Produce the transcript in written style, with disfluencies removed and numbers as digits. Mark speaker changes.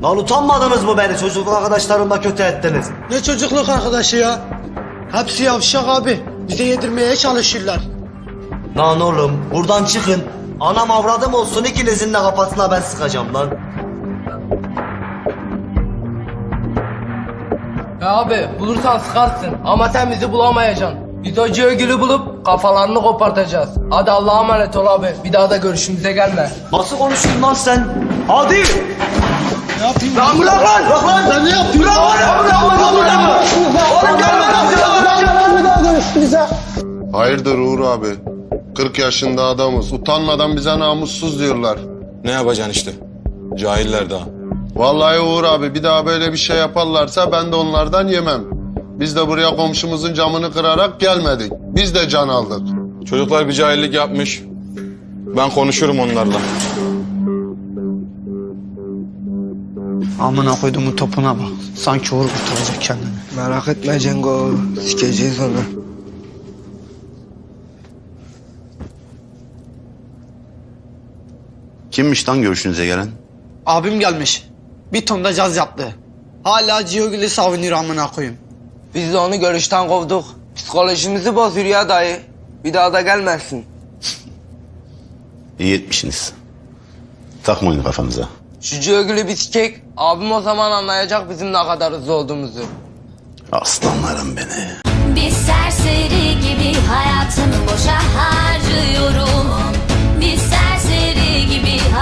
Speaker 1: Lan utanmadınız mı beni çocukluk arkadaşlarımla kötü ettiniz?
Speaker 2: Ne çocukluk arkadaşı ya? Hepsi yavşak abi. Bize yedirmeye çalışırlar.
Speaker 1: Lan oğlum buradan çıkın. Anam avradım olsun ikinizin de kafasına ben sıkacağım lan.
Speaker 3: Ya abi bulursan sıkarsın ama sen bizi bulamayacaksın. Biz o Cihogül'ü bulup kafalarını kopartacağız. Hadi Allah'a emanet ol abi. Bir daha da görüşümüze gelme.
Speaker 1: Nasıl konuştun lan sen? Hadi!
Speaker 2: Ne yapayım?
Speaker 1: Lan bırak lan! Bırak lan!
Speaker 2: Sen ne yapıyorsun?
Speaker 1: Bırak lan! Bırak lan! Oğlum gelme lan!
Speaker 4: Hayırdır Uğur abi? 40 yaşında adamız. Utanmadan bize namussuz diyorlar.
Speaker 5: Ne yapacaksın işte? Cahiller daha.
Speaker 4: Vallahi Uğur abi bir daha böyle bir şey yaparlarsa ben de onlardan yemem. Biz de buraya komşumuzun camını kırarak gelmedik. Biz de can aldık.
Speaker 5: Çocuklar bir cahillik yapmış. Ben konuşurum onlarla.
Speaker 2: Amına koyduğumun topuna bak. Sanki Uğur kurtaracak kendini.
Speaker 6: Merak etme Cengo, sikeceğiz onu.
Speaker 7: Kimmiş lan görüşünüze gelen?
Speaker 2: Abim gelmiş. Bir ton da caz yaptı. Hala Cihogül'ü savunuyor amına koyayım.
Speaker 3: Biz de onu görüşten kovduk. Psikolojimizi bozuyor ya dayı. Bir daha da gelmezsin.
Speaker 7: İyi etmişsiniz. Takmayın kafanıza.
Speaker 3: Şu Cihogül'ü bir sikek. Abim o zaman anlayacak bizim ne kadar hızlı olduğumuzu.
Speaker 7: Aslanlarım beni.
Speaker 8: Bir serseri gibi hayatımı boşa harcıyorum. Bir serseri gibi